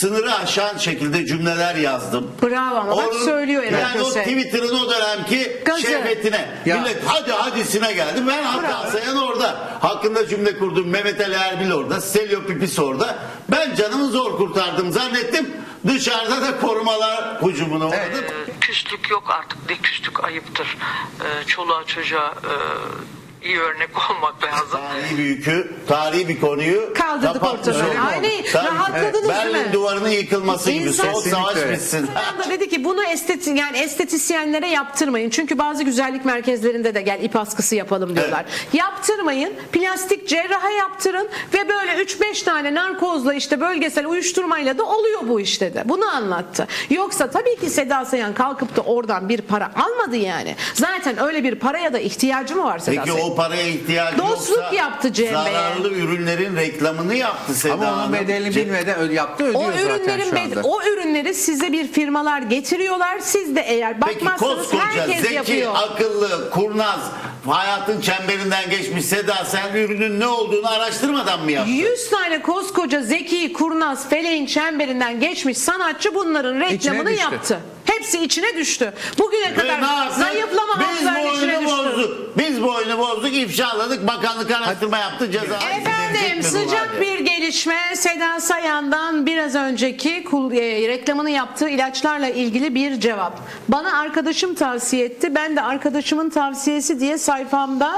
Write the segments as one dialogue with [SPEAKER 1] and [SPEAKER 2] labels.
[SPEAKER 1] sınırı aşan şekilde cümleler yazdım.
[SPEAKER 2] Bravo ama bak söylüyor
[SPEAKER 1] yani o Twitter'ın o dönemki şehvetine. Millet hadisine geldi. Ben Hakan Sayan orada. Hakkında cümle kurdum. Mehmet Ali Erbil orada. Stelio Pipis orada. Ben canımı zor kurtardım zannettim. Dışarıda da korumalar hücumuna uğradı.
[SPEAKER 3] Küslük yok artık. Ne küslük ayıptır. Çoluğa çocuğa iyi örnek olmak lazım.
[SPEAKER 1] Tarihi bir yükü, tarihi bir konuyu
[SPEAKER 2] kaldırdık ortadan. Aynen. Rahatladınız
[SPEAKER 1] Berlin
[SPEAKER 2] değil mi?
[SPEAKER 1] duvarının yıkılması gibi. Soğuk savaş bitsin.
[SPEAKER 2] Da dedi ki bunu estetisyenlere yaptırmayın. Çünkü bazı güzellik merkezlerinde de gel ip askısı yapalım diyorlar. Evet. Yaptırmayın. Plastik cerraha yaptırın ve böyle 3-5 tane narkozla işte bölgesel uyuşturmayla da oluyor bu işte de. Bunu anlattı. Yoksa tabii ki Seda Sayan kalkıp da oradan bir para almadı yani. Zaten öyle bir paraya da ihtiyacı mı var Seda Sayan?
[SPEAKER 1] Peki o paraya ihtiyacı
[SPEAKER 2] dostluk
[SPEAKER 1] yoksa
[SPEAKER 2] yaptı Cem Bey'e.
[SPEAKER 1] zararlı ürünlerin reklamını yaptı Seda
[SPEAKER 4] Ama onun
[SPEAKER 1] Hanım.
[SPEAKER 4] bedelini bilmeden yaptı, ödüyor zaten şu anda.
[SPEAKER 2] O ürünleri size bir firmalar getiriyorlar. Siz de eğer bakmazsanız
[SPEAKER 1] Peki
[SPEAKER 2] herkes
[SPEAKER 1] zeki,
[SPEAKER 2] yapıyor.
[SPEAKER 1] akıllı, kurnaz, hayatın çemberinden geçmiş Seda sen ürünün ne olduğunu araştırmadan mı yaptın? 100
[SPEAKER 2] tane koskoca zeki, kurnaz, feleğin çemberinden geçmiş sanatçı bunların reklamını yaptı. Hepsi içine düştü. Bugüne kadar zayıflama haplarının içine düştü.
[SPEAKER 1] Biz bu oyunu bozduk, ifşaladık, bakanlık araştırma yaptı, ceza.
[SPEAKER 2] Efendim sıcak bir gelişme Seda Sayan'dan biraz önceki reklamını yaptığı ilaçlarla ilgili bir cevap. Bana arkadaşım tavsiye etti. Ben de arkadaşımın tavsiyesi diye sayfamda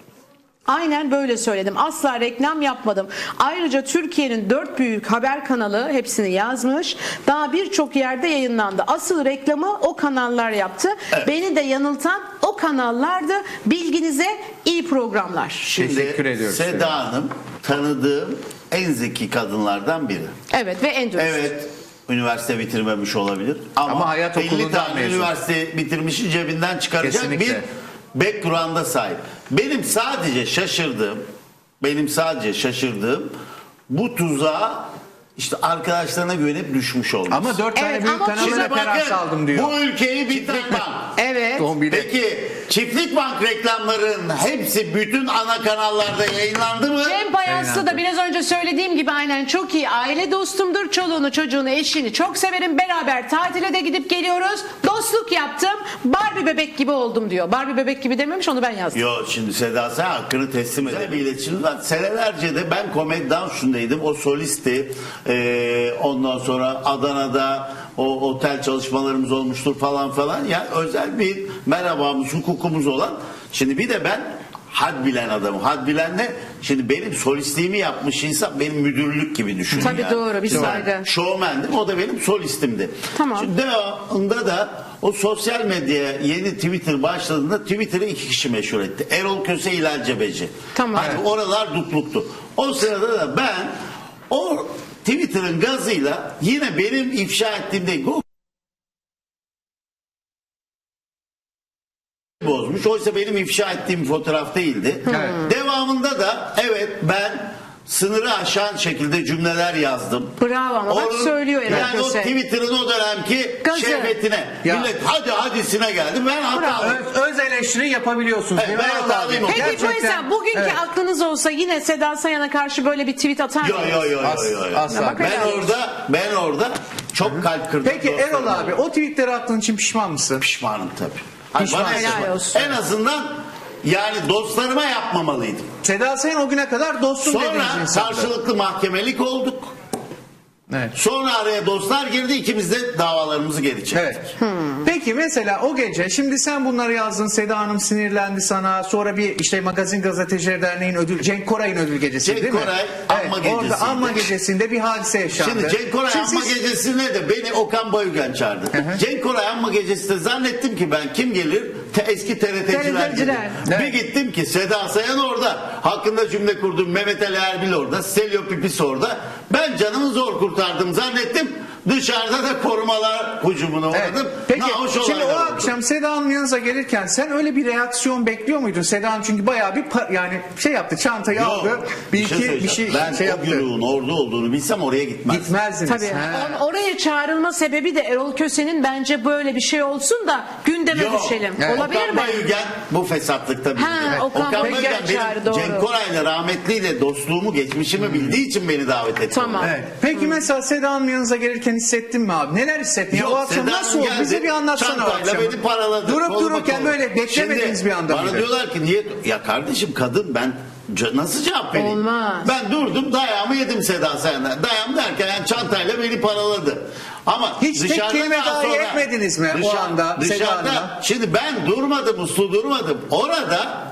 [SPEAKER 2] aynen böyle söyledim. Asla reklam yapmadım. Ayrıca Türkiye'nin 4 büyük haber kanalı hepsini yazmış. Daha birçok yerde yayınlandı. Asıl reklamı o kanallar yaptı. Evet. Beni de yanıltan o kanallardı. Bilginize iyi programlar.
[SPEAKER 1] Şimdi
[SPEAKER 4] teşekkür ediyoruz.
[SPEAKER 1] Seda Hanım tanıdığım en zeki kadınlardan biri.
[SPEAKER 2] Evet ve en dürüst.
[SPEAKER 1] Evet. Üniversite bitirmemiş olabilir. Ama hayat 50 tane mezun. Üniversite bitirmişi cebinden çıkaracak bir background'a sahip. Benim sadece şaşırdığım bu tuzağa işte arkadaşlarına güvenip düşmüş olmuş.
[SPEAKER 4] Ama 4 tane büyük kanalına referans aldım diyor.
[SPEAKER 1] Bu ülkeyi bitiren bank.
[SPEAKER 2] Evet.
[SPEAKER 1] Peki Çiftlik Bank reklamlarının hepsi bütün ana kanallarda yayınlandı mı?
[SPEAKER 2] Cem Bayaslı da biraz önce söylediğim gibi aynen çok iyi aile dostumdur. Çoluğunu, çocuğunu, eşini çok severim. Beraber tatile de gidip geliyoruz. Dostluk yaptım. Barbie bebek gibi oldum diyor. Barbie bebek gibi dememiş, onu ben yazdım.
[SPEAKER 1] Yok şimdi Seda sen hakkını teslim edelim. Bir iletişim var. Senelerce de ben Comedy Dans'undaydım. O solisti. Ondan sonra Adana'da o otel çalışmalarımız olmuştur falan. Yani özel bir merhabamız, hukukumuz olan. Şimdi bir de ben had bilen adamım. Had bilen ne? Şimdi benim solistliğimi yapmış insan benim müdürlük gibi düşünün.
[SPEAKER 2] Tabii
[SPEAKER 1] yani.
[SPEAKER 2] doğru bir saygı.
[SPEAKER 1] Şovmendim, o da benim solistimdi.
[SPEAKER 2] Tamam.
[SPEAKER 1] Şimdi devamında da o sosyal medyaya yeni Twitter başladığında Twitter'ı 2 kişi meşhur etti. Erol Köse, İlal Cebeci.
[SPEAKER 2] Tamam.
[SPEAKER 1] Hani oralar dutluktu. O sırada da ben o Twitter'ın gazıyla yine benim ifşa ettiğim değil. Bozmuş. Oysa benim ifşa ettiğim fotoğraf değildi. Evet. Devamında da evet ben sınırı aşan şekilde cümleler yazdım.
[SPEAKER 2] Bravo ama bak söylüyor
[SPEAKER 1] yani o Twitter'ın o dönemki şehvetine. Millet hadisine geldi. Ben hatalıyım.
[SPEAKER 4] Öz eleştiri yapabiliyorsunuz.
[SPEAKER 1] Evet, ben hatalıyım.
[SPEAKER 2] Peki mesela bugünkü aklınız olsa yine Seda Sayan'a karşı böyle bir tweet atar mısınız?
[SPEAKER 1] Yok.
[SPEAKER 4] Asla.
[SPEAKER 1] Ben orada çok kalp kırdım.
[SPEAKER 4] Peki Erol abi o tweetleri attığın için pişman mısın?
[SPEAKER 1] Pişmanım tabii.
[SPEAKER 2] Helal olsun.
[SPEAKER 1] En azından yani dostlarıma yapmamalıydım.
[SPEAKER 4] Seda Sayan o güne kadar dostum dediğiniz
[SPEAKER 1] insandı.
[SPEAKER 4] insandı.
[SPEAKER 1] Sonra karşılıklı mahkemelik olduk.
[SPEAKER 4] Evet.
[SPEAKER 1] Sonra araya dostlar girdi, ikimiz de davalarımızı geri çektik.
[SPEAKER 4] Evet. Peki mesela o gece şimdi sen bunları yazdın, Seda Hanım sinirlendi sana, sonra bir işte Magazin Gazeteciler Derneği'nin Cenk Koray'ın ödül gecesi değil mi?
[SPEAKER 1] Cenk Koray anma gecesinde.
[SPEAKER 4] Orada anma gecesinde bir hadise yaşandı.
[SPEAKER 1] Şimdi Cenk Koray anma gecesine de beni Okan Bayülgen çağırdı. Cenk Koray anma gecesinde zannettim ki ben kim gelir? Eski TRT'ciler. Bir gittim ki Seda Sayan orada. Hakkında cümle kurdum. Mehmet Ali Erbil orada. Stelio Pipis orada. Ben canımı zor kurtardım zannettim. Dışarıda da korumalar hücumuna uğradım.
[SPEAKER 4] Peki
[SPEAKER 1] Nahoş
[SPEAKER 4] şimdi o
[SPEAKER 1] olaylar oldu.
[SPEAKER 4] akşam Seda Hanım yanınıza gelirken sen öyle bir reaksiyon bekliyor muydun? Seda Hanım çünkü bayağı bir yani şey yaptı, çantayı
[SPEAKER 1] Yok,
[SPEAKER 4] aldı. Bir
[SPEAKER 1] söyleyeceğim. Ben
[SPEAKER 4] şey
[SPEAKER 1] o
[SPEAKER 4] yaptı.
[SPEAKER 1] güruğun orada olduğunu bilsem oraya gitmezdim.
[SPEAKER 4] Gitmezdiniz.
[SPEAKER 2] Tabii.
[SPEAKER 4] Ha.
[SPEAKER 2] Oraya çağrılma sebebi de Erol Köse'nin bence böyle bir şey olsun da gündeme
[SPEAKER 1] Yok.
[SPEAKER 2] düşelim.
[SPEAKER 4] Evet.
[SPEAKER 2] Olabilir
[SPEAKER 1] Okan
[SPEAKER 2] mi?
[SPEAKER 1] Bayülgen bu fesatlıkta bildi.
[SPEAKER 2] Ha, Okan Bayülgen çağırdı,
[SPEAKER 1] benim
[SPEAKER 2] doğru.
[SPEAKER 1] Cenk Koray'la rahmetliyle dostluğumu, geçmişimi bildiği için beni davet etti.
[SPEAKER 2] Tamam.
[SPEAKER 4] Evet. Peki mesela Seda Hanım yanınıza gelirken hissettin mi abi? Neler hissettin? Ya
[SPEAKER 1] Yok,
[SPEAKER 4] o akşam
[SPEAKER 1] Seda
[SPEAKER 4] nasıl
[SPEAKER 1] Hanım
[SPEAKER 4] oldu? Bize
[SPEAKER 1] geldi,
[SPEAKER 4] bir anlatsana o
[SPEAKER 1] çantayla
[SPEAKER 4] akşamı.
[SPEAKER 1] beni paraladı.
[SPEAKER 4] Durup
[SPEAKER 1] Koluma
[SPEAKER 4] dururken
[SPEAKER 1] koluma.
[SPEAKER 4] böyle beklemediğiniz
[SPEAKER 1] Şimdi
[SPEAKER 4] bir anda
[SPEAKER 1] bana
[SPEAKER 4] mıydı?
[SPEAKER 1] diyorlar ki niye? Ya kardeşim kadın ben nasıl cevap vereyim?
[SPEAKER 2] Olmaz.
[SPEAKER 1] Ben durdum dayağımı yedim Seda Sayan'dan. Dayağım derken yani çantayla beni paraladı. Ama
[SPEAKER 4] Hiç tek
[SPEAKER 1] dışarıda
[SPEAKER 4] kelime
[SPEAKER 1] daha
[SPEAKER 4] dahi
[SPEAKER 1] sonra-
[SPEAKER 4] etmediniz mi o anda Seda Hanım'a?
[SPEAKER 1] Dışarıda şimdi ben durmadım, uslu durmadım. Orada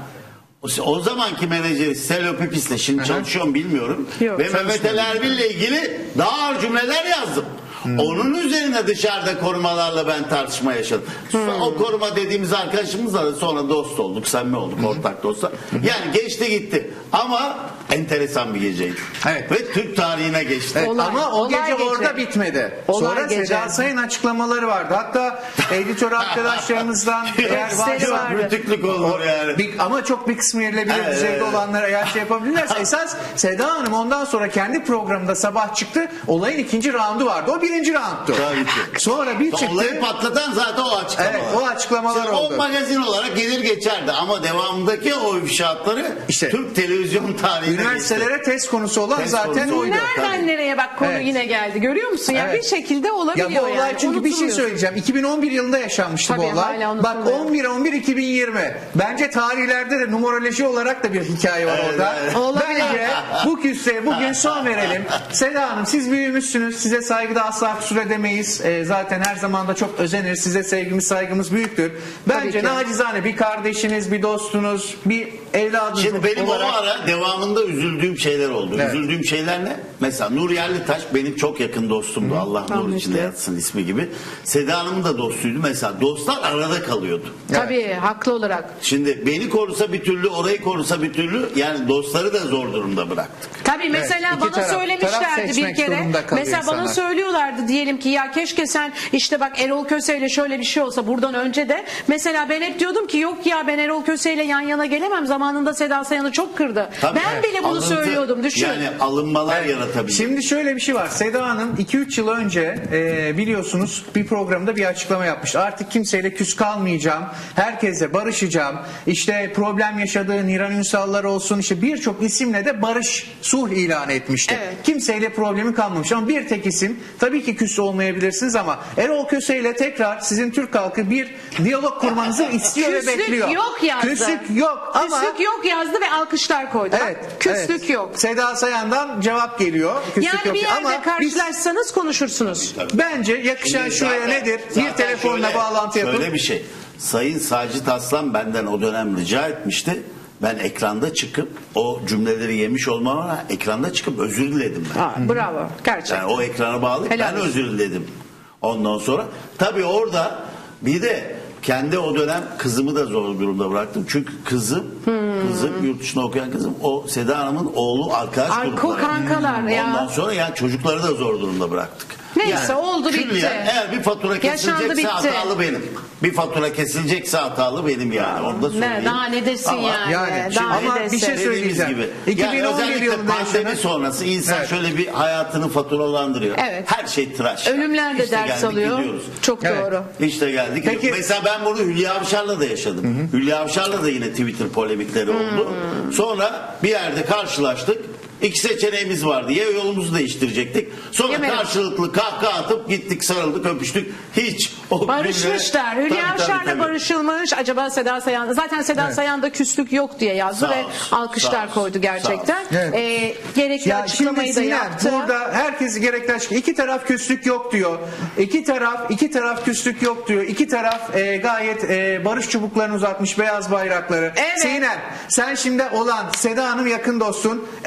[SPEAKER 1] o zamanki menajeri Selo Pipis'le şimdi çalışıyorum bilmiyorum.
[SPEAKER 2] Yok,
[SPEAKER 1] Ve Mehmet Ali Erbil'le ilgili daha ağır cümleler yazdım. Onun üzerine dışarıda korumalarla ben tartışma yaşadım. O koruma dediğimiz arkadaşımızla da sonra dost olduk, samimi olduk, ortak dostlar. Yani geçti gitti. Ama enteresan bir geceydi.
[SPEAKER 4] Evet.
[SPEAKER 1] Ve Türk tarihine geçti.
[SPEAKER 4] Evet,
[SPEAKER 2] Olay-
[SPEAKER 4] ama o
[SPEAKER 2] olay
[SPEAKER 4] gece
[SPEAKER 2] gece.
[SPEAKER 4] orada bitmedi.
[SPEAKER 2] Olay
[SPEAKER 4] Sonra
[SPEAKER 2] gece.
[SPEAKER 4] Seda Sayın açıklamaları vardı. Hatta editör arkadaşlarımızdan eğer
[SPEAKER 2] Tekstleri
[SPEAKER 4] varsa
[SPEAKER 2] vardı.
[SPEAKER 1] Rütüklük olur yani.
[SPEAKER 4] ama çok bir kısmı yerilebilir
[SPEAKER 1] Evet,
[SPEAKER 4] düzeyde
[SPEAKER 1] evet.
[SPEAKER 4] olanlar eğer şey yapabilirlerse esas Seda Hanım ondan sonra kendi programında sabah çıktı. Olayın ikinci roundu vardı. O birinci roundtu.
[SPEAKER 1] Tabii ki.
[SPEAKER 4] Sonra bir çıktı.
[SPEAKER 1] Olayı patlatan zaten o açıklamalar.
[SPEAKER 4] Evet, o açıklamalar
[SPEAKER 1] Şimdi
[SPEAKER 4] oldu.
[SPEAKER 1] O magazin olarak gelir geçerdi ama devamındaki o ifşaatları
[SPEAKER 4] İşte,
[SPEAKER 1] Türk televizyon tarihine geçti.
[SPEAKER 4] Üniversitelere test konusu olan
[SPEAKER 1] Test
[SPEAKER 4] zaten
[SPEAKER 1] konusu.
[SPEAKER 4] oydu.
[SPEAKER 2] Nereden
[SPEAKER 1] Tabii.
[SPEAKER 2] nereye bak konu
[SPEAKER 4] Evet.
[SPEAKER 2] yine geldi. Görüyor musun? Ya
[SPEAKER 4] Evet.
[SPEAKER 2] bir şekilde olabiliyor
[SPEAKER 4] Ya bu olay
[SPEAKER 2] yani.
[SPEAKER 4] çünkü bir şey
[SPEAKER 2] Unutulmuyor.
[SPEAKER 4] söyleyeceğim. 2011 yılında yaşanmıştı
[SPEAKER 2] Tabii,
[SPEAKER 4] bu olay.
[SPEAKER 2] hala
[SPEAKER 4] Bak
[SPEAKER 2] unutulmuyor.
[SPEAKER 4] 11-11-2020. Bence tarihlerde de numeroloji olarak da bir hikaye var
[SPEAKER 1] Evet,
[SPEAKER 4] orada.
[SPEAKER 1] evet.
[SPEAKER 2] Olabilir.
[SPEAKER 4] Bence bu küseye bugün son verelim. Seda Hanım siz büyümüşsünüz. Size saygıda asla kusur edemeyiz. Zaten her zaman da çok özeniriz. Size sevgimiz saygımız büyüktür. Bence
[SPEAKER 2] ki.
[SPEAKER 4] nacizane bir kardeşiniz, bir dostunuz, bir evladınız
[SPEAKER 1] Şimdi benim
[SPEAKER 4] olarak.
[SPEAKER 1] o ara devamında üzüldüğüm şeyler oldu.
[SPEAKER 4] Evet.
[SPEAKER 1] Üzüldüğüm şeyler ne? Mesela Nur Yerlitaş benim çok yakın dostumdu. Allah nur
[SPEAKER 2] Rahmetli.
[SPEAKER 1] içinde yatsın ismi gibi. Seda Hanım'ın da dostuydu. Mesela dostlar arada kalıyordu.
[SPEAKER 2] Tabii haklı olarak.
[SPEAKER 1] Şimdi beni korusa bir türlü, orayı korusa bir türlü yani dostları da zor durumda bıraktık.
[SPEAKER 2] Tabii mesela
[SPEAKER 4] iki
[SPEAKER 2] bana
[SPEAKER 4] taraf
[SPEAKER 2] söylemişlerdi bir
[SPEAKER 4] seçmek
[SPEAKER 2] kere.
[SPEAKER 4] durumunda kalıyor
[SPEAKER 2] Mesela bana
[SPEAKER 4] insanlar.
[SPEAKER 2] söylüyorlardı diyelim ki ya keşke sen işte bak Erol Köse ile şöyle bir şey olsa buradan önce de. Mesela ben hep diyordum ki yok ya ben Erol Köse ile yan yana gelemem. Zamanında Seda Sayan'ı çok kırdı.
[SPEAKER 1] Tabii.
[SPEAKER 2] Ben bile bunu
[SPEAKER 1] Alıntı,
[SPEAKER 2] söylüyordum düşün.
[SPEAKER 1] Yani alınmalar yaratabilir.
[SPEAKER 4] Şimdi şöyle bir şey var. Seda Hanım 2-3 yıl önce biliyorsunuz bir programda bir açıklama yapmıştı. Artık kimseyle küs kalmayacağım. Herkese barışacağım. İşte problem yaşadığı Niran Ünsallar olsun işte birçok isimle de barış sulh ilan etmişti.
[SPEAKER 2] Evet.
[SPEAKER 4] Kimseyle problemi kalmamış ama bir tek isim tabii ki küs olmayabilirsiniz ama Erol Köse ile tekrar sizin Türk halkı bir diyalog kurmanızı istiyor ve
[SPEAKER 2] Küslük
[SPEAKER 4] bekliyor.
[SPEAKER 2] yok yazdı.
[SPEAKER 4] Küslük yok ama
[SPEAKER 2] Küslük yok yazdı ve alkışlar koydu.
[SPEAKER 4] evet,
[SPEAKER 2] Bak, küslük
[SPEAKER 4] evet.
[SPEAKER 2] yok.
[SPEAKER 4] Seda Sayan'dan cevap geliyor. Küslük
[SPEAKER 2] Yani
[SPEAKER 4] yok.
[SPEAKER 2] bir yerde
[SPEAKER 4] Ama biz-
[SPEAKER 2] karşılaşsanız konuşursunuz.
[SPEAKER 4] Bence yakışan
[SPEAKER 1] Şimdi
[SPEAKER 4] şuraya
[SPEAKER 1] zaten-
[SPEAKER 4] nedir? Bir
[SPEAKER 1] zaten
[SPEAKER 4] telefonla
[SPEAKER 1] şöyle-
[SPEAKER 4] bağlantı yapın.
[SPEAKER 1] Şöyle bir şey. Sayın Sacit Aslan benden o dönem rica etmişti. Ben ekranda çıkıp o cümleleri yemiş olmama ekranda çıkıp özür diledim ben.
[SPEAKER 2] Ha, bravo. Gerçekten.
[SPEAKER 1] Yani o ekrana bağlı
[SPEAKER 2] Helal
[SPEAKER 1] ben
[SPEAKER 2] olsun.
[SPEAKER 1] özür diledim. Ondan sonra tabii orada bir de kendi o dönem kızımı da zor durumda bıraktım. Çünkü kızım yurt dışında okuyan kızım o Seda Hanım'ın oğlu arkadaş grupları.
[SPEAKER 2] kankalar ya.
[SPEAKER 1] Ondan sonra yani çocukları da zor durumda bıraktık.
[SPEAKER 2] Neyse, oldu, bitti.
[SPEAKER 1] külliyen Eğer bir fatura
[SPEAKER 2] Yaşandı,
[SPEAKER 1] kesilecekse
[SPEAKER 2] bitti.
[SPEAKER 1] hatalı benim. Bir fatura kesilecekse hatalı benim yani. Onu da söyleyeyim.
[SPEAKER 2] Daha ne desin
[SPEAKER 1] Ama
[SPEAKER 2] yani?
[SPEAKER 4] yani
[SPEAKER 2] Daha
[SPEAKER 4] ama
[SPEAKER 2] ne
[SPEAKER 4] bir
[SPEAKER 2] desin?
[SPEAKER 4] şey
[SPEAKER 1] Dediğimiz
[SPEAKER 4] söyleyeceğim.
[SPEAKER 1] gibi.
[SPEAKER 4] 2011
[SPEAKER 1] yani özellikle
[SPEAKER 4] yılında
[SPEAKER 1] pandemi
[SPEAKER 4] yaşanan-
[SPEAKER 1] sonrası insan
[SPEAKER 4] Evet.
[SPEAKER 1] şöyle bir hayatını faturalandırıyor.
[SPEAKER 2] Evet.
[SPEAKER 1] Her şey tıraş.
[SPEAKER 2] Ölümler de
[SPEAKER 1] İşte
[SPEAKER 2] ders
[SPEAKER 1] geldik,
[SPEAKER 2] alıyor.
[SPEAKER 1] gidiyoruz.
[SPEAKER 2] Çok
[SPEAKER 4] Evet.
[SPEAKER 2] doğru.
[SPEAKER 1] İşte geldik.
[SPEAKER 4] Peki-
[SPEAKER 1] Mesela ben bunu Hülya Avşar'la da yaşadım. Hülya Avşar'la da yine Twitter polemikleri oldu. Sonra bir yerde karşılaştık. İki seçeneğimiz vardı. Ya yolumuzu değiştirecektik. Sonra
[SPEAKER 2] Yemedim.
[SPEAKER 1] karşılıklı kahkaha atıp gittik, sarıldık, öpüştük. Hiç o
[SPEAKER 2] Barışmışlar.
[SPEAKER 1] günlere-
[SPEAKER 2] Hülya
[SPEAKER 1] Tabii, tabii,
[SPEAKER 2] Avşar'la
[SPEAKER 1] tabii.
[SPEAKER 2] barışılmış. Acaba Seda Sayan zaten Seda Sayan'da küslük yok diye yazdı
[SPEAKER 1] Sağ
[SPEAKER 2] ve
[SPEAKER 1] olsun,
[SPEAKER 2] alkışlar
[SPEAKER 1] sağ olsun,
[SPEAKER 2] koydu gerçekten.
[SPEAKER 4] sağ olsun.
[SPEAKER 2] Gerekli
[SPEAKER 4] Ya
[SPEAKER 2] açıklamayı
[SPEAKER 4] şimdi
[SPEAKER 2] da
[SPEAKER 4] Sinan
[SPEAKER 2] yaptı.
[SPEAKER 4] burada herkes gerekli açıklama. İki taraf küslük yok diyor. İki taraf küslük yok diyor. İki taraf gayet barış çubuklarını uzatmış beyaz bayrakları.
[SPEAKER 2] Evet.
[SPEAKER 4] Sinem sen şimdi olan Seda Hanım yakın dostun. Erol Bey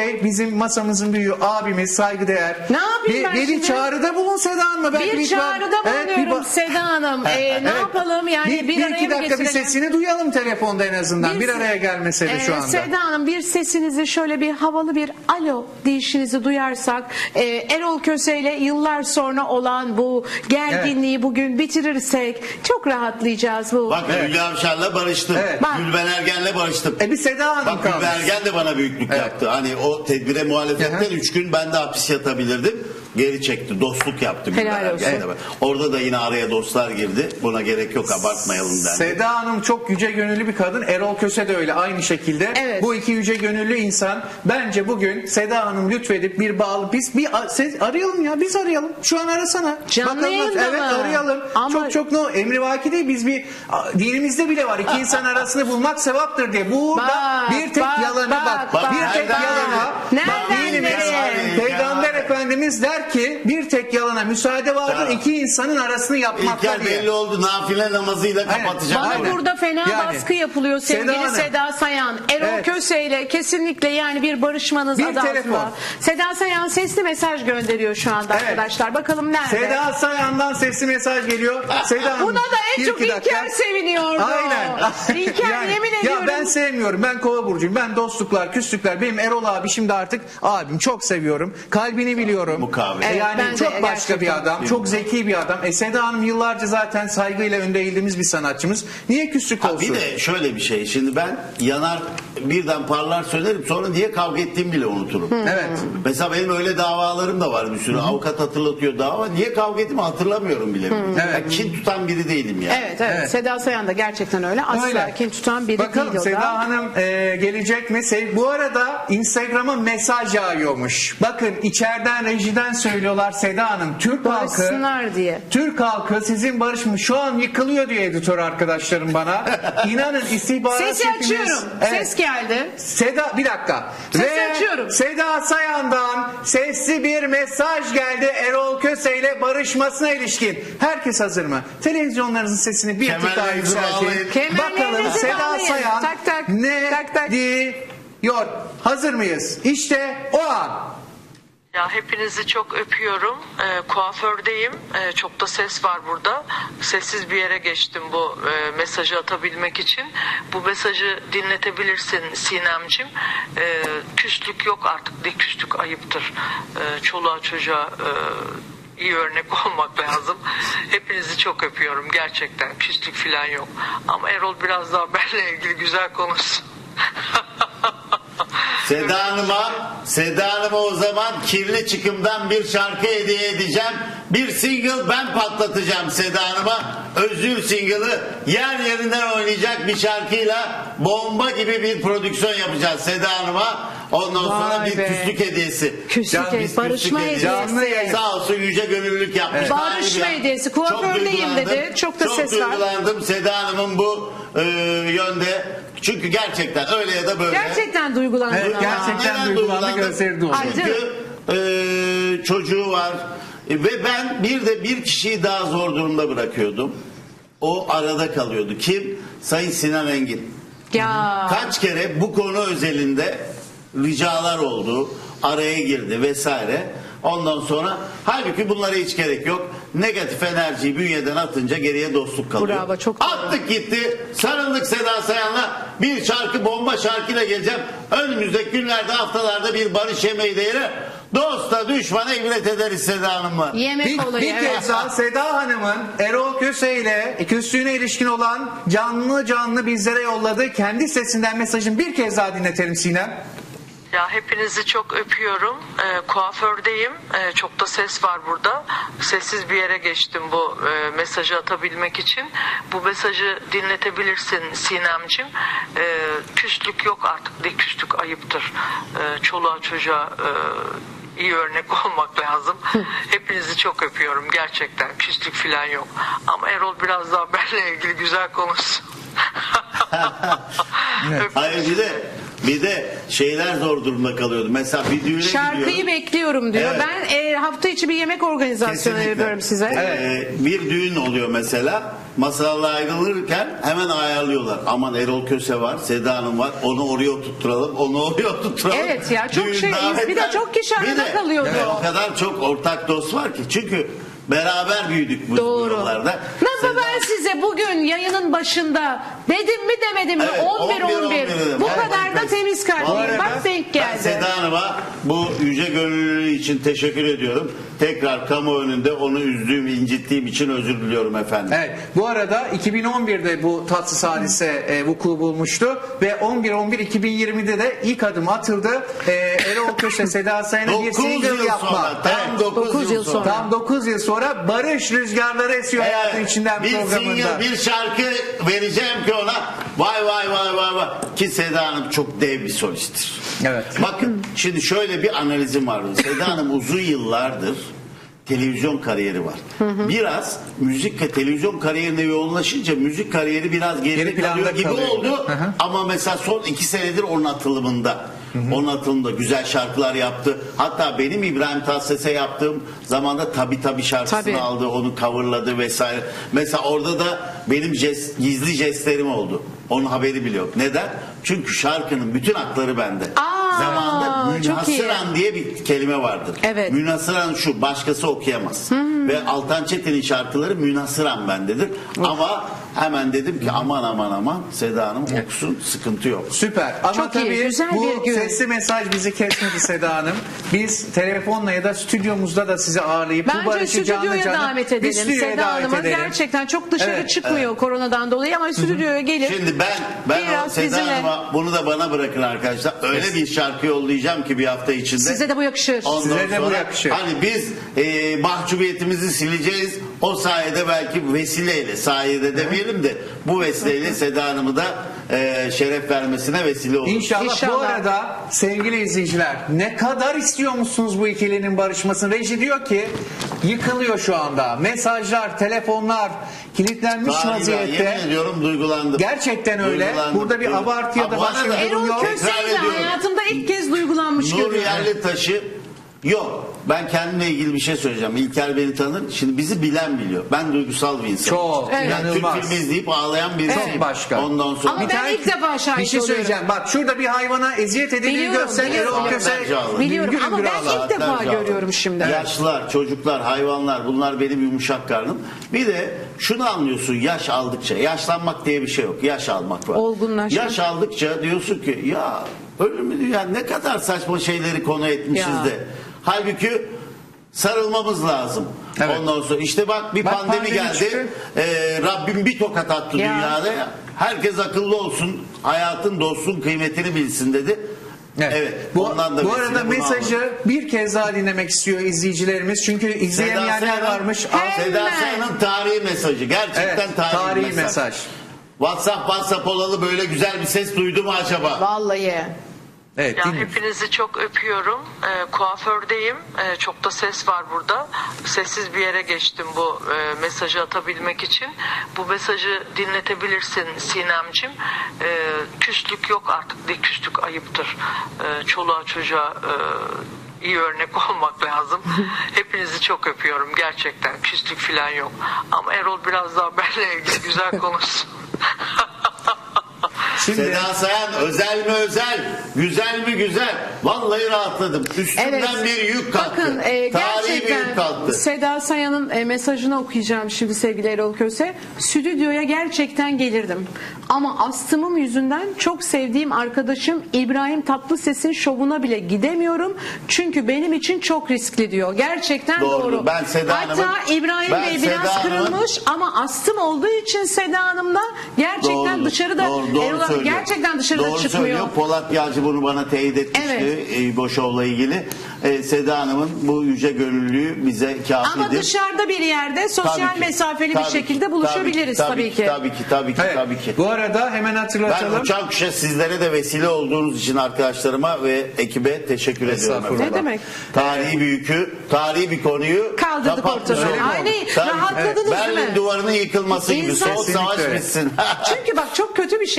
[SPEAKER 4] Bey bizim masamızın büyüğü abimiz, saygıdeğer.
[SPEAKER 2] Ne yapayım ben
[SPEAKER 4] bir
[SPEAKER 2] şimdi?
[SPEAKER 4] çağrıda bulun Seda Hanım'a.
[SPEAKER 2] Bir çağrıda bulunuyorum Seda Hanım. Ne yapalım yani bir araya
[SPEAKER 4] iki
[SPEAKER 2] mı
[SPEAKER 4] dakika bir
[SPEAKER 2] getirelim?
[SPEAKER 4] sesini duyalım telefonda en azından. Bir araya gelmese de şu anda.
[SPEAKER 2] Seda Hanım bir sesinizi şöyle bir havalı bir alo deyişinizi duyarsak Erol Köse ile yıllar sonra olan bu gerginliği bugün bitirirsek çok rahatlayacağız bu.
[SPEAKER 1] Bak Hülya Avşar'la barıştım.
[SPEAKER 4] Evet.
[SPEAKER 2] Bak.
[SPEAKER 1] Gülben Ergen'le barıştım.
[SPEAKER 4] Bir Seda Hanım
[SPEAKER 1] Bak
[SPEAKER 4] kalmış.
[SPEAKER 1] Gülben Ergen de bana büyüklük yaptı. Hani o tedbire muhalefetten 3 gün ben de hapis yatabilirdim. Geri çekti. Dostluk yaptı Gülben
[SPEAKER 2] Helal olsun.
[SPEAKER 1] Ergen'le. Orada da yine araya dostlar girdi. Buna gerek yok, abartmayalım dendi.
[SPEAKER 4] Seda Hanım çok yüce gönüllü bir kadın. Erol Köse de öyle aynı şekilde.
[SPEAKER 2] Evet.
[SPEAKER 4] Bu iki yüce gönüllü insan bence bugün Seda Hanım lütfedip bir biz arayalım ya, biz arayalım. Şu an arasana.
[SPEAKER 2] Canlı yayında
[SPEAKER 4] evet
[SPEAKER 2] mı?
[SPEAKER 4] arayalım.
[SPEAKER 2] Ama-
[SPEAKER 4] Çok emrivaki değil, biz bir dinimizde bile var. İki insan arasını bulmak sevaptır diye. Burada
[SPEAKER 2] Bak,
[SPEAKER 4] bir tek
[SPEAKER 2] bak,
[SPEAKER 4] yalanı
[SPEAKER 2] bak,
[SPEAKER 1] bak.
[SPEAKER 4] bir tek
[SPEAKER 1] Nereden
[SPEAKER 4] yalana.
[SPEAKER 2] Nereden
[SPEAKER 4] dinimiz,
[SPEAKER 2] nereye?
[SPEAKER 4] Peygamber Efendimiz der ki bir tek yalana müsaade vardır,
[SPEAKER 1] Tamam.
[SPEAKER 4] iki insanın arasını yapmakta
[SPEAKER 1] İlker
[SPEAKER 4] diye.
[SPEAKER 1] belli oldu. Nafile namazıyla
[SPEAKER 4] Aynen.
[SPEAKER 1] kapatacak.
[SPEAKER 2] Bana
[SPEAKER 4] Aynen.
[SPEAKER 2] burada fena
[SPEAKER 4] Yani,
[SPEAKER 2] baskı yapılıyor sevgili
[SPEAKER 4] Seda
[SPEAKER 2] Seda,
[SPEAKER 4] Hanım.
[SPEAKER 2] Sayan. Erol
[SPEAKER 4] Evet.
[SPEAKER 2] Köse ile kesinlikle yani bir barışmanız
[SPEAKER 4] Bir
[SPEAKER 2] adı altında.
[SPEAKER 4] telefon.
[SPEAKER 2] Seda Sayan sesli mesaj gönderiyor şu anda
[SPEAKER 4] Evet.
[SPEAKER 2] arkadaşlar. Bakalım nerede?
[SPEAKER 4] Seda Sayan'dan sesli mesaj geliyor. Seda Hanım,
[SPEAKER 2] Buna da en
[SPEAKER 4] bir
[SPEAKER 2] çok
[SPEAKER 4] iki dakika.
[SPEAKER 2] İlker seviniyordu.
[SPEAKER 4] Aynen.
[SPEAKER 2] İlker yemin ediyorum.
[SPEAKER 4] Ya ben sevmiyorum. Ben Kova burcuyum. Ben dostluklar, küslükler. Benim Erol abi şimdi artık abim. Çok seviyorum. Kalbini biliyorum.
[SPEAKER 1] Mukavele.
[SPEAKER 2] Evet,
[SPEAKER 4] Yani
[SPEAKER 2] ben de
[SPEAKER 4] çok başka
[SPEAKER 2] gerçekten.
[SPEAKER 4] bir adam. Çok zeki bir adam. Seda Hanım yıllarca zaten saygıyla önde eğildiğimiz bir sanatçımız. Niye küslük olsun?
[SPEAKER 1] Bir de şöyle bir şey. Şimdi ben yanar birden parlar söylerim. Sonra niye kavga ettiğimi bile unuturum.
[SPEAKER 4] Evet.
[SPEAKER 1] Mesela benim öyle davalarım da var bir sürü. Avukat hatırlatıyor dava. Niye kavga ettiğimi hatırlamıyorum bile.
[SPEAKER 4] Evet.
[SPEAKER 1] Ben kin tutan biri değilim yani.
[SPEAKER 2] Evet, evet.
[SPEAKER 4] Evet.
[SPEAKER 2] Seda Sayan da gerçekten öyle. Asla
[SPEAKER 4] Öyle.
[SPEAKER 2] kim tutan biri
[SPEAKER 4] Bakalım
[SPEAKER 2] değil o da.
[SPEAKER 4] Seda Hanım gelecek mi? Bu arada Instagram'a mesaj yağıyormuş. Bakın içeriden rejiden söylüyorlar Seda Hanım. Türk halkı
[SPEAKER 2] Barışsınlar diye.
[SPEAKER 4] Türk halkı sizin barışmış şu an yıkılıyor diyor editör arkadaşlarım bana. İnanın istihbarat
[SPEAKER 2] Sesi
[SPEAKER 4] şefimiz-
[SPEAKER 2] açıyorum.
[SPEAKER 4] Evet.
[SPEAKER 2] Ses geldi.
[SPEAKER 4] Seda bir dakika.
[SPEAKER 2] Sesi açıyorum.
[SPEAKER 4] Seda Sayan'dan sesli bir mesaj geldi Erol Köse ile barışmasına ilişkin. Herkes hazır mı? Televizyonlarınızın sesini bir tık daha
[SPEAKER 1] Kemerlerinizi
[SPEAKER 4] yükseltin.
[SPEAKER 1] bağlayın.
[SPEAKER 2] Kemerlerinizi
[SPEAKER 4] Bakalım Seda
[SPEAKER 2] bağlayın.
[SPEAKER 4] Sayan
[SPEAKER 2] Tak tak.
[SPEAKER 4] ne
[SPEAKER 2] Tak tak.
[SPEAKER 4] diyor? Hazır mıyız? İşte o an.
[SPEAKER 3] Ya hepinizi çok öpüyorum. Kuafördeyim. Çok da ses var burada. Sessiz bir yere geçtim bu mesajı atabilmek için. Bu mesajı dinletebilirsin Sinemcim. Küslük yok artık. De küslük ayıptır. Çoluğa çocuğa iyi örnek olmak lazım. Hepinizi çok öpüyorum gerçekten. Küslük falan yok. Ama Erol biraz daha benimle ilgili güzel konuşsun.
[SPEAKER 1] Seda Hanım'a o zaman kirli çıkımdan bir şarkı hediye edeceğim. Bir single ben patlatacağım Seda Hanım'a. Özür single'ı yer yerinden oynayacak bir şarkıyla bomba gibi bir prodüksiyon yapacağız Seda Hanım'a. Ondan sonra
[SPEAKER 2] Vay
[SPEAKER 1] bir
[SPEAKER 2] be.
[SPEAKER 1] küslük hediyesi.
[SPEAKER 2] Küslük
[SPEAKER 1] Biz
[SPEAKER 2] hediyesi, barışma
[SPEAKER 1] küslük
[SPEAKER 4] Canlı
[SPEAKER 2] hediyesi.
[SPEAKER 4] yayın.
[SPEAKER 1] Sağ olsun yüce gönüllülük yapmış.
[SPEAKER 2] Barışma
[SPEAKER 1] Harika.
[SPEAKER 2] hediyesi.
[SPEAKER 1] Çok
[SPEAKER 2] Kuafördeyim
[SPEAKER 1] duygulandım.
[SPEAKER 2] dedi. Çok da ses var.
[SPEAKER 1] duygulandım Seda Hanım'ın bu yönde. Çünkü gerçekten öyle ya da böyle.
[SPEAKER 2] Gerçekten duygulandım.
[SPEAKER 4] Evet,
[SPEAKER 2] ama.
[SPEAKER 4] gerçekten
[SPEAKER 1] Neden
[SPEAKER 4] duygulandı,
[SPEAKER 1] duygulandım?
[SPEAKER 4] gözleri doldu.
[SPEAKER 1] Çünkü çocuğu var ve ben bir kişiyi daha zor durumda bırakıyordum. O arada kalıyordu. Kim? Sayın Sinan Engin.
[SPEAKER 2] Ya.
[SPEAKER 1] Kaç kere bu konu özelinde ricalar oldu. Araya girdi vesaire. Ondan sonra halbuki bunlara hiç gerek yok. Negatif enerjiyi bünyeden atınca geriye dostluk kalıyor.
[SPEAKER 2] Bravo, çok doğru.
[SPEAKER 1] Attık gitti. Sarıldık Seda Sayan'la. Bir şarkı bomba şarkıyla geleceğim. Önümüzdeki günlerde haftalarda bir barış yemeği de yere dosta düşmana ibret ederiz Seda Hanım'la.
[SPEAKER 2] Yemek olayı.
[SPEAKER 4] Bir
[SPEAKER 2] evet.
[SPEAKER 4] kez daha Seda Hanım'ın Erol Köse ile küslüğüne ilişkin olan canlı bizlere yolladığı kendi sesinden mesajını bir kez daha dinletelim Sinem.
[SPEAKER 3] Ya hepinizi çok öpüyorum. Kuafördeyim. Çok da ses var burada. Sessiz bir yere geçtim bu mesajı atabilmek için. Bu mesajı dinletebilirsin Sinemcim. Küslük yok artık. De küslük ayıptır. Çoluğa çocuğa iyi örnek olmak lazım. Hepinizi çok öpüyorum gerçekten. Küslük falan yok. Ama Erol biraz daha benimle ilgili güzel konuşsun.
[SPEAKER 1] Hayır bir de şeyler zor durumda kalıyordu. Mesela bir düğüne
[SPEAKER 2] Şarkıyı
[SPEAKER 1] gidiyorum.
[SPEAKER 2] bekliyorum diyor.
[SPEAKER 1] Evet.
[SPEAKER 2] Ben hafta içi bir yemek organizasyonu
[SPEAKER 1] Kesinlikle.
[SPEAKER 2] yapıyorum size.
[SPEAKER 1] Bir düğün oluyor mesela. masalarla ayrılırken hemen ayarlıyorlar. Aman Erol Köse var, Seda Hanım var. Onu oraya oturtturalım, onu oraya oturtturalım.
[SPEAKER 2] Evet ya, çok
[SPEAKER 1] Düğün
[SPEAKER 2] şey,
[SPEAKER 1] davetler.
[SPEAKER 2] bir de çok kişi
[SPEAKER 1] Bir
[SPEAKER 2] arada
[SPEAKER 1] de,
[SPEAKER 2] kalıyordu.
[SPEAKER 1] evet, o kadar çok ortak dost var ki. Çünkü beraber büyüdük bu
[SPEAKER 2] Doğru.
[SPEAKER 1] yollarda.
[SPEAKER 2] Nasıl
[SPEAKER 1] Seda-
[SPEAKER 2] ben size bugün yayının başında dedim mi demedim mi?
[SPEAKER 1] Evet,
[SPEAKER 2] 11-11.
[SPEAKER 1] dedim.
[SPEAKER 2] Bu
[SPEAKER 1] Evet,
[SPEAKER 2] kadar da
[SPEAKER 1] evet.
[SPEAKER 2] temiz kalpliyim.
[SPEAKER 1] Vallahi
[SPEAKER 2] Bak denk
[SPEAKER 1] Ben
[SPEAKER 2] geldi.
[SPEAKER 1] Seda Hanım'a bu yüce gönüllülüğü için teşekkür ediyorum. Tekrar kamu önünde onu üzdüğüm, incittiğim için özür diliyorum efendim.
[SPEAKER 4] Evet. Bu arada 2011'de bu tatsız hadise vuku bulmuştu ve 11-11-2020'de de ilk adım atıldı. Erol Köse, Seda Sayan'a bir
[SPEAKER 1] 9
[SPEAKER 4] single
[SPEAKER 1] yıl
[SPEAKER 4] yapma.
[SPEAKER 1] sonra, tam
[SPEAKER 4] Evet.
[SPEAKER 1] 9 yıl sonra.
[SPEAKER 4] Tam 9 yıl sonra barış rüzgarları esiyor hayatın içinden
[SPEAKER 1] bir
[SPEAKER 4] programında.
[SPEAKER 1] single, bir şarkı vereceğim ki ona vay vay vay vay vay ki Seda Hanım çok dev bir solisttir.
[SPEAKER 4] Evet.
[SPEAKER 1] Bakın şimdi şöyle bir analizim var. Seda Hanım uzun yıllardır televizyon kariyeri var. Biraz müzik ve televizyon kariyerine yoğunlaşınca müzik kariyeri biraz
[SPEAKER 4] Geri
[SPEAKER 1] geri
[SPEAKER 4] planda
[SPEAKER 1] kalıyor gibi
[SPEAKER 4] kalıyor.
[SPEAKER 1] oldu.
[SPEAKER 4] Hı hı.
[SPEAKER 1] Ama mesela son 2 senedir onun atılımında. Onun atılımında güzel şarkılar yaptı. Hatta benim İbrahim Tatlıses'e yaptığım zamanda Tabii şarkısını
[SPEAKER 2] Tabii.
[SPEAKER 1] aldı. Onu coverladı vesaire. Mesela orada da benim gizli jestlerim oldu. Onun haberi bile yok. Neden? Çünkü şarkının bütün hakları bende. Zamanında
[SPEAKER 2] çok iyi.
[SPEAKER 1] münhasıran diye bir kelime vardır.
[SPEAKER 2] Evet.
[SPEAKER 1] Münhasıran şu, başkası okuyamaz. Ve Altan Çetin'in şarkıları münhasıran bendedir. Ama hemen dedim ki aman Seda Hanım okusun, sıkıntı yok.
[SPEAKER 4] Süper. Ama
[SPEAKER 2] Çok iyi,
[SPEAKER 4] tabii
[SPEAKER 2] güzel
[SPEAKER 4] bu
[SPEAKER 2] bir gün.
[SPEAKER 4] sesli mesaj bizi kesmedi Seda Hanım. Biz telefonla ya da stüdyomuzda da sizi ağırlayıp bu
[SPEAKER 2] Bence
[SPEAKER 4] barışı canlı
[SPEAKER 2] stüdyoya
[SPEAKER 4] canlı
[SPEAKER 2] davet
[SPEAKER 4] bir
[SPEAKER 2] edelim.
[SPEAKER 4] stüdyoya
[SPEAKER 2] Seda
[SPEAKER 4] davet
[SPEAKER 2] Hanım'ı
[SPEAKER 4] edelim.
[SPEAKER 2] gerçekten çok dışarı
[SPEAKER 4] Evet,
[SPEAKER 2] çıkmıyor koronadan dolayı ama stüdyoya gelir.
[SPEAKER 1] Şimdi ben o
[SPEAKER 2] Biraz
[SPEAKER 1] Seda
[SPEAKER 2] bizimle-
[SPEAKER 1] Hanım'a bunu da bana bırakın arkadaşlar. Öyle bir şarkı yollayacağım ki bir hafta içinde.
[SPEAKER 2] Size de bu yakışır.
[SPEAKER 1] Ondan
[SPEAKER 4] Size de bu
[SPEAKER 1] sonra
[SPEAKER 4] yakışır.
[SPEAKER 1] Hani biz mahcubiyetimizi sileceğiz. O sayede belki vesileyle, sayede demeyelim de bu vesileyle Seda Hanım'ı da şeref vermesine vesile olur.
[SPEAKER 4] İnşallah. Bu
[SPEAKER 2] İnşallah.
[SPEAKER 4] arada sevgili izleyiciler ne kadar istiyor musunuz bu ikilinin barışmasını? Reji diyor ki yıkılıyor şu anda. Mesajlar, telefonlar kilitlenmiş
[SPEAKER 1] Galiba,
[SPEAKER 4] vaziyette.
[SPEAKER 1] yemin ediyorum duygulandım.
[SPEAKER 4] Gerçekten öyle.
[SPEAKER 1] Duygulandım.
[SPEAKER 4] Burada bir abartı ya da
[SPEAKER 1] Bu
[SPEAKER 4] başka
[SPEAKER 1] arada
[SPEAKER 4] bir durum
[SPEAKER 2] Erol
[SPEAKER 4] yok.
[SPEAKER 1] Tekrar
[SPEAKER 2] Köse'yle
[SPEAKER 1] ediyorum.
[SPEAKER 2] hayatımda ilk kez duygulanmış
[SPEAKER 1] Nur
[SPEAKER 2] görüyorum.
[SPEAKER 1] Yerlitaş'ı yok. Ben kendimle ilgili bir şey söyleyeceğim. İlker beni tanır. Şimdi bizi bilen biliyor. Ben duygusal bir insanım.
[SPEAKER 4] Çok,
[SPEAKER 1] Yani
[SPEAKER 4] inanılmaz.
[SPEAKER 1] Türk filmi izleyip ağlayan birisiyim.
[SPEAKER 4] Çok başka.
[SPEAKER 1] Ondan sonra.
[SPEAKER 2] Ama ben ilk defa şahit
[SPEAKER 4] bir şey
[SPEAKER 2] oluyorum.
[SPEAKER 4] söyleyeceğim. Bak şurada bir hayvana eziyet edildiği
[SPEAKER 2] Biliyorum,
[SPEAKER 4] görsen
[SPEAKER 2] biliyorum.
[SPEAKER 4] Erol Köse
[SPEAKER 1] Saatlerce
[SPEAKER 2] Biliyorum
[SPEAKER 4] güngür
[SPEAKER 2] ama
[SPEAKER 4] güngür
[SPEAKER 2] ben
[SPEAKER 4] ağlar.
[SPEAKER 2] ilk defa
[SPEAKER 1] Saatlerce
[SPEAKER 2] görüyorum şimdi.
[SPEAKER 1] Yaşlılar, çocuklar, hayvanlar bunlar benim yumuşak karnım. Bir de şunu anlıyorsun yaş aldıkça. Yaşlanmak diye bir şey yok. Yaş almak var.
[SPEAKER 2] Olgunlaşmak.
[SPEAKER 1] Yaş aldıkça diyorsun ki ya ölümü dünya ne kadar saçma şeyleri konu etmişiz
[SPEAKER 2] Ya.
[SPEAKER 1] de. Halbuki sarılmamız lazım.
[SPEAKER 4] Evet.
[SPEAKER 1] Ondan sonra işte bak bir
[SPEAKER 4] Bak,
[SPEAKER 1] pandemi
[SPEAKER 4] pandemi
[SPEAKER 1] geldi.
[SPEAKER 4] çıktı.
[SPEAKER 1] Rabbim bir tokat attı
[SPEAKER 2] Ya.
[SPEAKER 1] dünyada. Herkes akıllı olsun. Hayatın dostun kıymetini bilsin dedi. Evet.
[SPEAKER 4] Bu,
[SPEAKER 1] ondan da
[SPEAKER 4] bu
[SPEAKER 1] vesile
[SPEAKER 4] arada
[SPEAKER 1] bunu
[SPEAKER 4] mesajı
[SPEAKER 1] aldım.
[SPEAKER 4] bir kez daha dinlemek istiyor izleyicilerimiz. Çünkü izleyemeyenler
[SPEAKER 1] Sayan'ın-
[SPEAKER 4] varmış.
[SPEAKER 1] Seda Sayan'ın tarihi mesajı. Gerçekten
[SPEAKER 4] Evet,
[SPEAKER 1] tarihi mesaj. WhatsApp olalı böyle güzel bir ses duydu mu acaba?
[SPEAKER 2] Vallahi.
[SPEAKER 4] Evet,
[SPEAKER 3] Ya
[SPEAKER 4] dinliyoruz.
[SPEAKER 3] hepinizi çok öpüyorum. Kuafördeyim. Çok da ses var burada. Sessiz bir yere geçtim bu mesajı atabilmek için. Bu mesajı dinletebilirsin Sinemcim. Küslük yok artık. De küslük ayıptır. Çoluğa çocuğa iyi örnek olmak lazım. Hepinizi çok öpüyorum gerçekten. Küslük falan yok. Ama Erol biraz daha benimle ilgili güzel konuşsun.
[SPEAKER 4] Şimdi
[SPEAKER 1] Seda Sayan özel mi özel, güzel mi güzel. Vallahi rahatladım. Üstümden bir yük kalktı.
[SPEAKER 2] Bakın
[SPEAKER 1] Tarihi bir
[SPEAKER 2] gerçekten
[SPEAKER 1] yük kalktı.
[SPEAKER 2] Seda Sayan'ın mesajını okuyacağım şimdi sevgili Erol Köse. Stüdyoya gerçekten gelirdim. Ama astımım yüzünden çok sevdiğim arkadaşım İbrahim Tatlıses'in şovuna bile gidemiyorum. Çünkü benim için çok riskli diyor. Gerçekten
[SPEAKER 1] Doğru.
[SPEAKER 2] doğru.
[SPEAKER 1] Ben Seda
[SPEAKER 2] Hatta
[SPEAKER 1] Hanım'ın-
[SPEAKER 2] İbrahim
[SPEAKER 1] ben
[SPEAKER 2] Bey
[SPEAKER 1] Seda
[SPEAKER 2] biraz
[SPEAKER 1] Hanım'ın-
[SPEAKER 2] kırılmış ama astım olduğu için Seda Hanım da gerçekten
[SPEAKER 1] Doğru,
[SPEAKER 2] dışarıda
[SPEAKER 1] doğru
[SPEAKER 2] Erol
[SPEAKER 1] söylüyor.
[SPEAKER 2] gerçekten dışarıda
[SPEAKER 1] Doğru
[SPEAKER 2] çıkmıyor.
[SPEAKER 1] söylüyor. Polat Yağcı bunu bana teyit etmişti.
[SPEAKER 2] Evet.
[SPEAKER 1] Boşov'la ilgili. Seda Hanım'ın bu yüce gönüllülüğü bize kafidir.
[SPEAKER 2] Ama dışarıda bir yerde sosyal
[SPEAKER 1] Tabii ki,
[SPEAKER 2] mesafeli
[SPEAKER 1] tabii
[SPEAKER 2] bir
[SPEAKER 1] ki,
[SPEAKER 2] şekilde buluşabiliriz tabii ki.
[SPEAKER 1] Tabii ki.
[SPEAKER 4] evet, bu arada hemen
[SPEAKER 1] Ben
[SPEAKER 4] hatırlatalım.
[SPEAKER 1] uçan kuşa sizlere de vesile olduğunuz için arkadaşlarıma ve ekibe teşekkür ediyorum.
[SPEAKER 4] Estağfurullah.
[SPEAKER 1] efendim.
[SPEAKER 2] Ne demek?
[SPEAKER 1] Tarihi bir yükü, tarihi bir konuyu
[SPEAKER 2] Kaldırdık
[SPEAKER 1] kapatmış
[SPEAKER 2] ortadan.
[SPEAKER 1] olduk.
[SPEAKER 2] Ay,
[SPEAKER 1] Tabii.
[SPEAKER 2] rahatladınız değil
[SPEAKER 1] Berlin
[SPEAKER 2] mi?
[SPEAKER 1] duvarının yıkılması gibi.
[SPEAKER 2] İnsan-
[SPEAKER 1] Soğuk savaş
[SPEAKER 4] Kesinlikle.
[SPEAKER 1] bitsin.
[SPEAKER 2] Çünkü bak çok kötü bir şey. İnsanın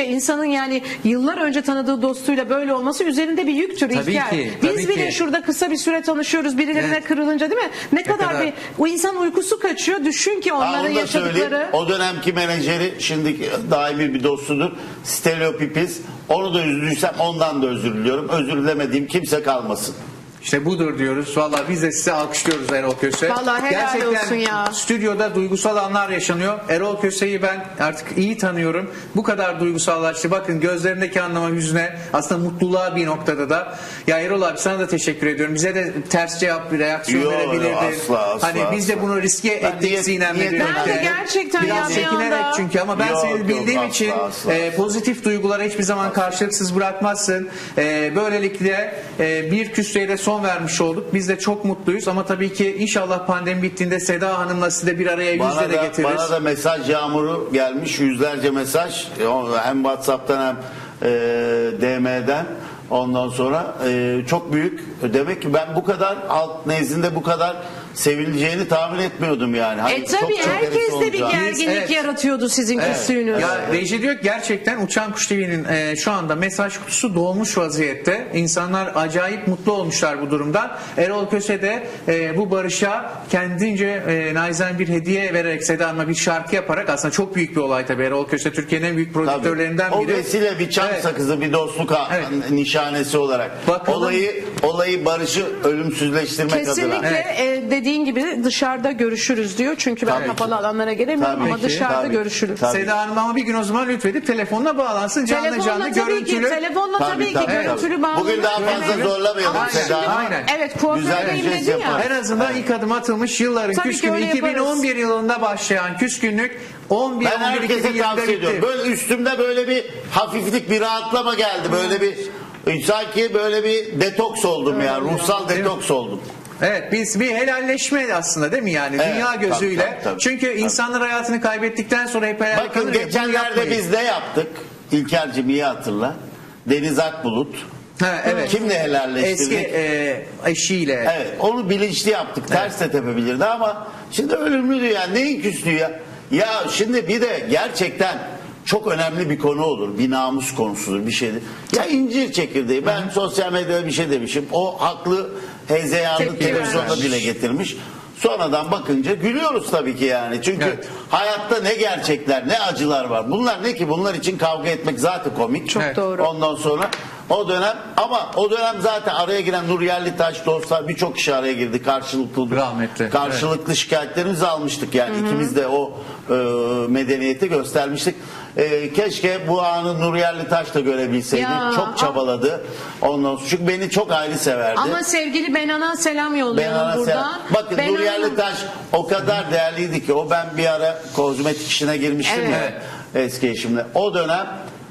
[SPEAKER 2] insanın yani yıllar önce tanıdığı dostuyla böyle olması üzerinde bir yüktür
[SPEAKER 4] Tabii
[SPEAKER 2] İlker.
[SPEAKER 4] ki,
[SPEAKER 2] Biz
[SPEAKER 4] tabii
[SPEAKER 2] bile
[SPEAKER 4] ki.
[SPEAKER 2] şurada kısa bir süre tanışıyoruz birilerine
[SPEAKER 4] Evet.
[SPEAKER 2] kırılınca değil mi? Ne kadar
[SPEAKER 4] kadar?
[SPEAKER 2] bir o insan uykusu kaçıyor. Düşün ki
[SPEAKER 1] Ha,
[SPEAKER 2] onların
[SPEAKER 1] onu da söyleyeyim.
[SPEAKER 2] yaşadıkları.
[SPEAKER 1] O dönemki menajeri şimdi daimi bir dostudur. Stelio Pipis. Onu da üzdüysem ondan da özür diliyorum. Özür dilemediğim kimse kalmasın.
[SPEAKER 4] İşte budur diyoruz. Vallahi biz de size alkışlıyoruz Erol Köse.
[SPEAKER 2] Vallahi helal
[SPEAKER 4] Gerçekten
[SPEAKER 2] olsun ya.
[SPEAKER 4] stüdyoda duygusal anlar yaşanıyor. Erol Köse'yi ben artık iyi tanıyorum. Bu kadar duygusallaştı. Bakın gözlerindeki anlama, hüzne, aslında mutluluğa bir noktada da. Ya Erol abi sana da teşekkür ediyorum. Bize de ters cevap, reaksiyon
[SPEAKER 1] Yo,
[SPEAKER 4] verebilirdin.
[SPEAKER 1] asla,
[SPEAKER 4] Hani biz de
[SPEAKER 1] asla.
[SPEAKER 4] bunu riske
[SPEAKER 1] Ben
[SPEAKER 4] ettik
[SPEAKER 1] niyet-
[SPEAKER 4] Sinem'le
[SPEAKER 1] niyet-
[SPEAKER 4] birlikte.
[SPEAKER 2] Ben de gerçekten
[SPEAKER 4] Biraz
[SPEAKER 2] ya bir
[SPEAKER 4] çekinerek
[SPEAKER 2] anda-
[SPEAKER 4] çünkü ama ben
[SPEAKER 1] Yok,
[SPEAKER 4] seni
[SPEAKER 1] yok,
[SPEAKER 4] bildiğim
[SPEAKER 1] asla,
[SPEAKER 4] için
[SPEAKER 1] asla.
[SPEAKER 4] pozitif duygulara hiçbir zaman karşılıksız bırakmazsın. Böylelikle bir küsleye de son vermiş olduk. Biz de çok mutluyuz ama tabii ki inşallah pandemi bittiğinde Seda Hanım'la sizi de bir araya yüzle de getiririz.
[SPEAKER 1] Bana da mesaj yağmuru gelmiş. Yüzlerce mesaj. Hem WhatsApp'tan hem DM'den. Ondan sonra çok büyük. Demek ki ben bu kadar halk nezdinde bu kadar sevileceğini tahmin etmiyordum yani. Hani
[SPEAKER 2] Tabii
[SPEAKER 1] çok
[SPEAKER 2] herkes de bir
[SPEAKER 1] olacağını.
[SPEAKER 2] gerginlik
[SPEAKER 4] Evet.
[SPEAKER 2] yaratıyordu sizin küslüğünüz.
[SPEAKER 4] Ya reji diyor ki gerçekten Uçan Kuş TV'nin şu anda mesaj kutusu dolmuş vaziyette. İnsanlar acayip mutlu olmuşlar bu durumdan. Erol Köse de bu barışa kendince naizane bir hediye vererek Seda Hanım'a bir şarkı yaparak, aslında çok büyük bir olay tabii. Erol Köse Türkiye'nin en büyük prodüktörlerinden
[SPEAKER 1] Tabii.
[SPEAKER 4] biri.
[SPEAKER 1] O vesile bir çam
[SPEAKER 4] Evet.
[SPEAKER 1] sakızı, bir dostluk
[SPEAKER 4] Evet.
[SPEAKER 1] nişanesi olarak.
[SPEAKER 4] Bakalım.
[SPEAKER 1] Olayı barışı ölümsüzleştirmek adına.
[SPEAKER 2] Kesinlikle dediğin gibi dışarıda görüşürüz diyor. Çünkü ben
[SPEAKER 1] Tabii
[SPEAKER 2] kapalı
[SPEAKER 1] ki.
[SPEAKER 2] alanlara gelemiyorum
[SPEAKER 1] Tabii
[SPEAKER 2] ama
[SPEAKER 1] ki,
[SPEAKER 2] dışarıda
[SPEAKER 1] tabii.
[SPEAKER 2] görüşürüz.
[SPEAKER 1] Tabii.
[SPEAKER 4] Seda Hanım ama bir gün o zaman lütfedip telefonla bağlansın. Canlı
[SPEAKER 2] Telefonla
[SPEAKER 4] canlı
[SPEAKER 2] tabii
[SPEAKER 4] görüntülü.
[SPEAKER 2] ki, telefonla tabii ki görüntülü bağlanır.
[SPEAKER 1] Bugün daha fazla
[SPEAKER 2] Evet.
[SPEAKER 1] zorlamayalım
[SPEAKER 2] Ama
[SPEAKER 1] Seda
[SPEAKER 2] şimdi-
[SPEAKER 1] Hanım.
[SPEAKER 4] Aynen.
[SPEAKER 2] Evet
[SPEAKER 1] Güzel bir
[SPEAKER 2] kuafördeyim
[SPEAKER 1] jest
[SPEAKER 2] dedin ya.
[SPEAKER 1] yaparız.
[SPEAKER 4] En azından ilk adım atılmış, yılların
[SPEAKER 2] Tabii ki
[SPEAKER 4] küskünü
[SPEAKER 2] öyle yaparız.
[SPEAKER 4] 2011 yılında başlayan küskünlük 11
[SPEAKER 1] Ben
[SPEAKER 4] 12
[SPEAKER 1] herkese
[SPEAKER 4] yılında
[SPEAKER 1] tavsiye ediyorum.
[SPEAKER 4] bitti.
[SPEAKER 1] Böyle üstümde böyle bir hafiflik, bir rahatlama geldi. Böyle bir sanki böyle bir detoks oldum ya. Ruhsal detoks oldum.
[SPEAKER 4] Evet, biz bir helalleşme aslında değil mi yani,
[SPEAKER 1] Evet,
[SPEAKER 4] dünya gözüyle.
[SPEAKER 1] tabii, tabii.
[SPEAKER 4] Çünkü
[SPEAKER 1] Tabii.
[SPEAKER 4] insanlar hayatını kaybettikten sonra hep hayal
[SPEAKER 1] Bakın
[SPEAKER 4] kalır ya, bunu
[SPEAKER 1] geçenlerde
[SPEAKER 4] yapmayın.
[SPEAKER 1] biz ne yaptık? İlker'cim iyi hatırla. Deniz Akbulut.
[SPEAKER 4] Ha, evet.
[SPEAKER 1] Kimle helalleştirdik?
[SPEAKER 4] Eski eşiyle.
[SPEAKER 1] Evet, onu bilinçli yaptık. Ters de tepebilirdi ama şimdi ölümlüdü ya. Neyin küslüğü ya? Ya şimdi bir de gerçekten çok önemli bir konu olur. Bir namus konusudur, bir şeydir. Ya incir çekirdeği. Ben sosyal medyada bir şey demişim. O haklı hezeyanı
[SPEAKER 2] Tepki
[SPEAKER 1] televizyonda
[SPEAKER 2] vermiş.
[SPEAKER 1] dile getirmiş. Sonradan bakınca gülüyoruz tabii ki yani. Çünkü
[SPEAKER 4] Evet.
[SPEAKER 1] hayatta ne gerçekler, ne acılar var. Bunlar ne ki? Bunlar için kavga etmek zaten komik.
[SPEAKER 2] Çok
[SPEAKER 4] Evet.
[SPEAKER 2] doğru.
[SPEAKER 1] Ondan sonra o dönem, ama o dönem zaten araya giren Nur Yerlitaş, dostlar, birçok kişi araya girdi.
[SPEAKER 4] Rahmetli,
[SPEAKER 1] Karşılıklı şikayetlerimizi almıştık yani. İkimiz de o medeniyeti göstermiştik. Keşke bu anı Nur Yerlitaş da görebilseydi.
[SPEAKER 2] Ya,
[SPEAKER 1] Çok çabaladı. Ondan sonra, çünkü beni çok ayrı severdi.
[SPEAKER 2] Ama sevgili Benan'a selam
[SPEAKER 1] Ben
[SPEAKER 2] yollayalım
[SPEAKER 1] ona
[SPEAKER 2] burada.
[SPEAKER 1] selam- Bakın
[SPEAKER 2] Benan
[SPEAKER 1] Nur Yerlitaş o kadar değerliydi ki, o ben bir ara kozmetik işine girmiştim
[SPEAKER 2] Evet.
[SPEAKER 1] ya eski eşimle. O dönem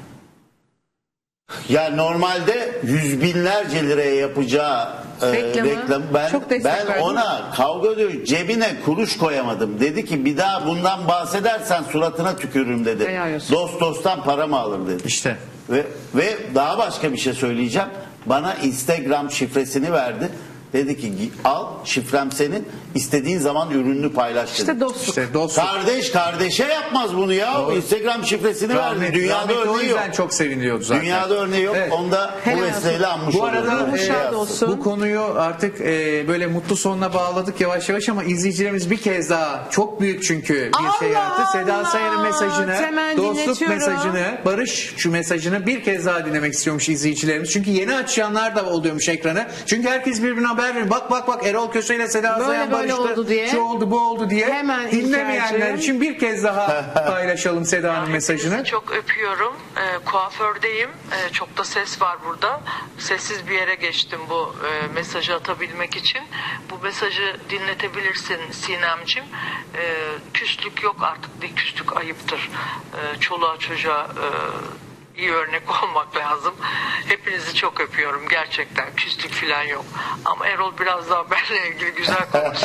[SPEAKER 1] ya normalde yüz binlerce liraya yapacağı
[SPEAKER 2] Reklamı
[SPEAKER 1] reklamı
[SPEAKER 2] çok destek
[SPEAKER 1] ben
[SPEAKER 2] verdin.
[SPEAKER 1] ona kavga ediyor, cebine kuruş koyamadım. Dedi ki bir daha bundan bahsedersen suratına tükürürüm dedi.
[SPEAKER 2] Helal olsun.
[SPEAKER 1] Dost dosttan para mı alır dedi.
[SPEAKER 4] İşte.
[SPEAKER 1] Ve daha başka bir şey söyleyeceğim. Bana Instagram şifresini verdi. Dedi ki al, şifrem senin, istediğin zaman ürününü paylaş dedi.
[SPEAKER 2] İşte dostluk.
[SPEAKER 4] İşte dostluk.
[SPEAKER 1] Kardeş kardeşe yapmaz bunu ya.
[SPEAKER 4] Doğru.
[SPEAKER 1] Instagram şifresini verdi.
[SPEAKER 4] Rahmetli,
[SPEAKER 1] Dünyada
[SPEAKER 4] rahmetli o
[SPEAKER 1] örneği yok.
[SPEAKER 4] yüzden çok seviniyordu zaten.
[SPEAKER 1] Dünyada örneği yok.
[SPEAKER 4] Evet.
[SPEAKER 1] Onda
[SPEAKER 2] Helal
[SPEAKER 1] bu vesileyle
[SPEAKER 2] olsun.
[SPEAKER 1] anmış
[SPEAKER 4] Bu
[SPEAKER 1] oluyoruz.
[SPEAKER 4] arada
[SPEAKER 2] Ruhu şad olsun.
[SPEAKER 4] bu konuyu artık böyle mutlu sonuna bağladık yavaş yavaş ama izleyicilerimiz bir kez daha, çok büyük çünkü bir şey
[SPEAKER 2] Allah
[SPEAKER 4] yaptı. Seda
[SPEAKER 2] Allah!
[SPEAKER 4] Sayan'ın mesajını,
[SPEAKER 2] Hemen
[SPEAKER 4] dostluk
[SPEAKER 2] dinletiyorum.
[SPEAKER 4] mesajını, barış şu mesajını bir kez daha dinlemek istiyormuş izleyicilerimiz. Çünkü yeni açanlar da oluyormuş ekranı. Çünkü herkes birbirine haber veriyor. Bak Erol Köse ile Seda
[SPEAKER 2] Böyle
[SPEAKER 4] Sayan
[SPEAKER 2] böyle
[SPEAKER 4] barıştı.
[SPEAKER 2] oldu diye.
[SPEAKER 4] Şu oldu bu oldu diye.
[SPEAKER 2] Hemen
[SPEAKER 4] Dinlemeyenler
[SPEAKER 2] İlker'cim.
[SPEAKER 4] için bir kez daha paylaşalım Seda'nın mesajını.
[SPEAKER 3] Hepinizi çok öpüyorum. Kuafördeyim. Çok da ses var burada. Sessiz bir yere geçtim bu mesajı atabilmek için. Bu mesajı dinletebilirsin Sinemcim. Küslük yok artık. Bir küslük ayıptır. Çoluğa çocuğa iyi örnek olmak lazım. Hepinizi çok öpüyorum gerçekten. Küslük falan yok. Ama Erol biraz daha benimle ilgili güzel konuşsun.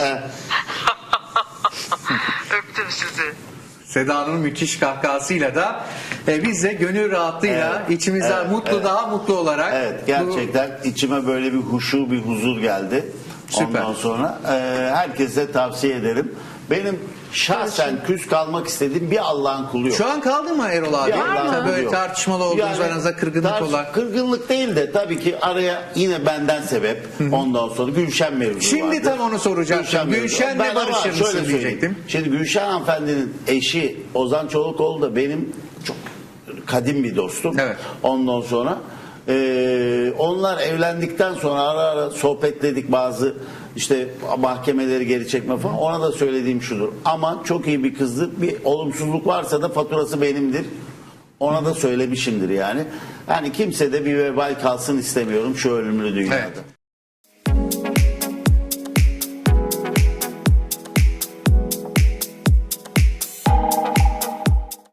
[SPEAKER 3] Öptüm sizi.
[SPEAKER 4] Seda'nın müthiş kahkahasıyla da biz de gönül rahatlığıyla içimizden daha mutlu olarak
[SPEAKER 1] Evet, gerçekten içime böyle bir huşu, bir huzur geldi.
[SPEAKER 4] Süper.
[SPEAKER 1] Ondan sonra herkese tavsiye ederim. Benim şahsen küs kalmak istediğim bir Allah'ın kulu yok.
[SPEAKER 4] Şu an kaldı mı Erol abi?
[SPEAKER 1] Bir Allah'ın
[SPEAKER 4] Tabii
[SPEAKER 1] kulu
[SPEAKER 4] böyle
[SPEAKER 1] yok.
[SPEAKER 4] tartışmalı olduğunuz, aranızda kırgınlık olan.
[SPEAKER 1] Kırgınlık değil de tabii ki araya yine benden sebep. Ondan sonra Gülşen mevzu
[SPEAKER 4] Şimdi
[SPEAKER 1] vardı.
[SPEAKER 4] tam onu soracaktım.
[SPEAKER 1] mevzu.
[SPEAKER 4] Gülşen'le
[SPEAKER 1] Ben ama
[SPEAKER 4] barışır
[SPEAKER 1] şöyle
[SPEAKER 4] mısın
[SPEAKER 1] söyleyeyim.
[SPEAKER 4] diyecektim.
[SPEAKER 1] Şimdi Gülşen hanımefendinin eşi Ozan Çolakoğlu da benim çok kadim bir dostum.
[SPEAKER 4] Evet.
[SPEAKER 1] Ondan sonra onlar evlendikten sonra ara ara sohbetledik, bazı işte mahkemeleri geri çekme falan. Ona da söylediğim şudur: aman çok iyi bir kızdır, bir olumsuzluk varsa da faturası benimdir. Ona da söylemişimdir yani. Yani kimse de bir vebal kalsın istemiyorum şu ölümlü dünyada.
[SPEAKER 4] Evet.